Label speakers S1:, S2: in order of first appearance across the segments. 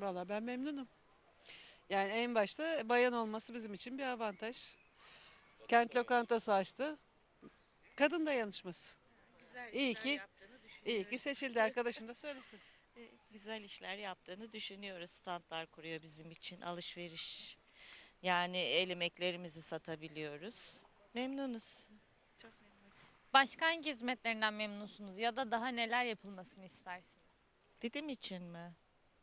S1: Valla ben memnunum. Yani en başta bayan olması bizim için bir avantaj. Kent lokantası açtı. Kadın dayanışması.
S2: Güzel
S1: İyi
S2: işler
S1: ki,
S2: yaptığını
S1: iyi ki
S2: düşünüyoruz.
S1: seçildi, arkadaşın da söylesin.
S2: Güzel işler yaptığını düşünüyoruz. Standlar kuruyor bizim için. Alışveriş. Yani el emeklerimizi satabiliyoruz. Memnunuz. Çok memnunuz.
S3: Başka hangi hizmetlerinden memnunsunuz ya da daha neler yapılmasını istersiniz?
S2: Dedim için mi?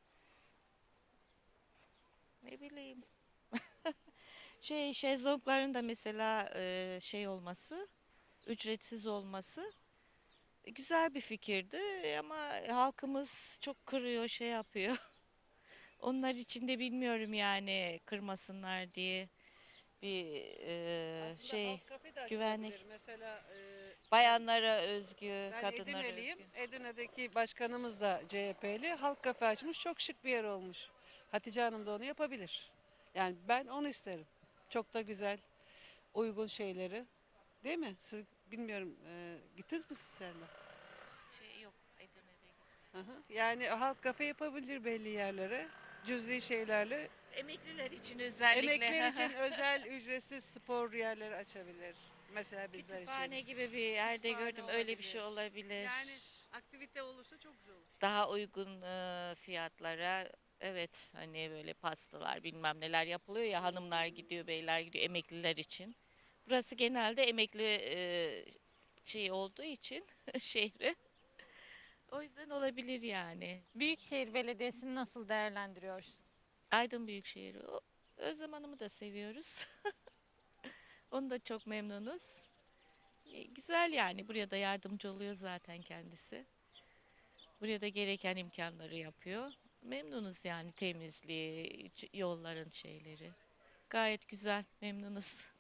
S2: Ne bileyim. Şezlongların da mesela şey olması, ücretsiz olması güzel bir fikirdi ama halkımız çok kırıyor, şey yapıyor. Onlar için de bilmiyorum yani kırmasınlar diye bir
S1: Aslında
S2: şey
S1: halk kafe de açılabilir.
S2: güvenlik.
S1: Mesela
S2: Bayanlara özgü,
S1: ben
S2: kadınlara
S1: Edirne'liyim.
S2: özgü.
S1: Edirne'deki başkanımız da CHP'li. Halk kafe açmış. Çok şık bir yer olmuş. Hatice Hanım da onu yapabilir. Yani ben onu isterim. Çok da güzel, uygun şeyleri. Değil mi? Siz bilmiyorum, gittiniz mi siz seninle?
S2: Şey yok, Edirne'de gitmedim.
S1: Hı hı. Yani halk kafe yapabilir belli yerlere. Cüzi şeylerle.
S2: Emekliler için özellikle
S1: Emekler için özel ücretsiz spor yerleri açabilir. Mesela bizler için.
S2: kütüphane gibi bir yerde
S1: Kütüphane
S2: gördüm. Öyle bir şey
S1: olabilir.
S2: olabilir.
S1: Yani aktivite olursa çok güzel olur.
S2: Daha uygun fiyatlara, evet, hani böyle pastalar bilmem neler yapılıyor ya, hanımlar gidiyor, beyler gidiyor, emekliler için. Burası genelde emekli şey olduğu için şehri. O yüzden olabilir yani.
S3: Büyükşehir Belediyesi'ni nasıl değerlendiriyorsunuz?
S2: Aydın Büyükşehir. Özlem Hanım'ı da seviyoruz. Onu da çok memnunuz. Güzel yani, buraya da yardımcı oluyor zaten kendisi. Buraya da gereken imkanları yapıyor. Memnunuz yani, temizliği, yolların şeyleri. Gayet güzel, memnunuz.